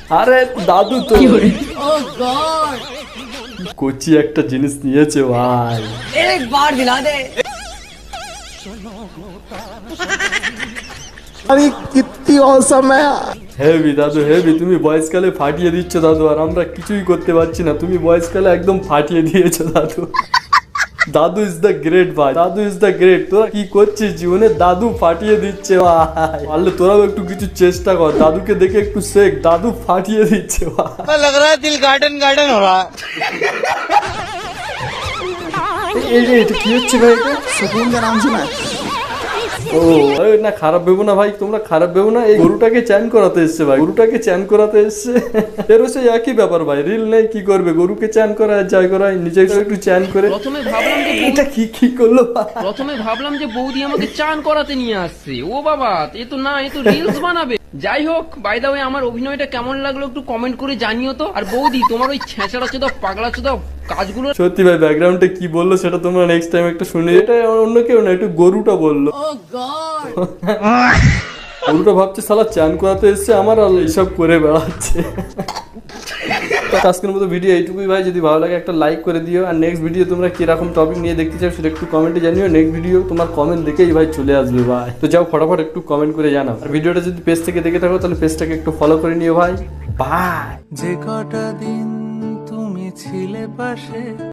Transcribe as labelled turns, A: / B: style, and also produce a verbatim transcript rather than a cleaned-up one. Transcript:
A: আরে দাদু তো কোচি একটা জিনিস নিয়েছে ভাই,
B: একবার দিলা দে।
C: अरे कितनी औसम है।
A: হেভি দাদু হেভি, তুমি বয়সকালে ফাটিয়ে দিচ্ছ দাদু, আর আমরা কিছুই করতে পারছি না, তুমি বয়সকালে একদম ফাটিয়ে দিয়েছো দাদু। দাদু ইজ দ্য গ্রেট ভাই, দাদু ইজ দ্য গ্রেট। তোরা কি করছিস জীবনে, দাদু ফাটিয়ে দিচ্ছে ভাই। পারলে তোরাও একটু কিছু চেষ্টা কর, দাদুকে দেখে একটু শেখ, দাদু ফাটিয়ে দিচ্ছে ভাই।
B: लग रहा है दिल गार्डन गार्डन हो रहा है।
A: এই রে, এটা কি হচ্ছে ভাই? এটা
C: सुकून का नाम सुना है?
A: ও আরে না, খারাপ ভেবো না ভাই, তোমরা খারাপ ভেবো না। এই গরুটাকে চ্যান করাতে এসছে ভাই, গরুটাকে চ্যান করাতে এসছে। এরও সেই একই ব্যাপার ভাই, রিল নেই কি করবে, গরুকে চ্যান করায় যাই করায়, নিজে একটু চ্যান করে।
D: প্রথমে ভাবলাম যে
A: এটা কি কি করলো ভাই?
D: প্রথমে ভাবলাম যে বৌদি আমাকে চান করাতে নিয়ে আসছে, ও বাবা এ তো না, এ তো রিলস বানাবে। যাই হোক, বাই দা ওয়ে আমার অভিনয়টা কেমন লাগলো একটু কমেন্ট করে জানিও তো। আর বৌদি তোমার ওই ছেঁচড়া চোদা পাগলা চোদা কাজগুলো
A: সত্যি ভাই, ব্যাকগ্রাউন্ডে কি বললো সেটা তোমরা নেক্সট টাইম একটা শুনে। এটা অন্য কেউ না, একটু গরুটা বললো। গরুটা ভাবছে শালা চান করাতে এসছে আমার, আর এইসব করে বেড়াচ্ছে। তো আজকের মতো ভিডিও এইটুকুই ভাই, যদি ভালো লাগে একটা লাইক করে দিও, আর নেক্সট ভিডিও তোমরা কিরকম টপিক নিয়ে দেখতে চাও সেটা একটু কমেন্টে জানিও। নেক্সট ভিডিও তোমার কমেন্ট দেখেই ভাই চলে আসবে ভাই, তো যাও ফটাফট একটু কমেন্ট করে জানাও। আর ভিডিওটা যদি পেজ থেকে দেখে থাকো তাহলে পেজটাকে একটু ফলো করে নিও ভাই। বাই।
C: যে কটা দিন তুমি ছিলে পাশে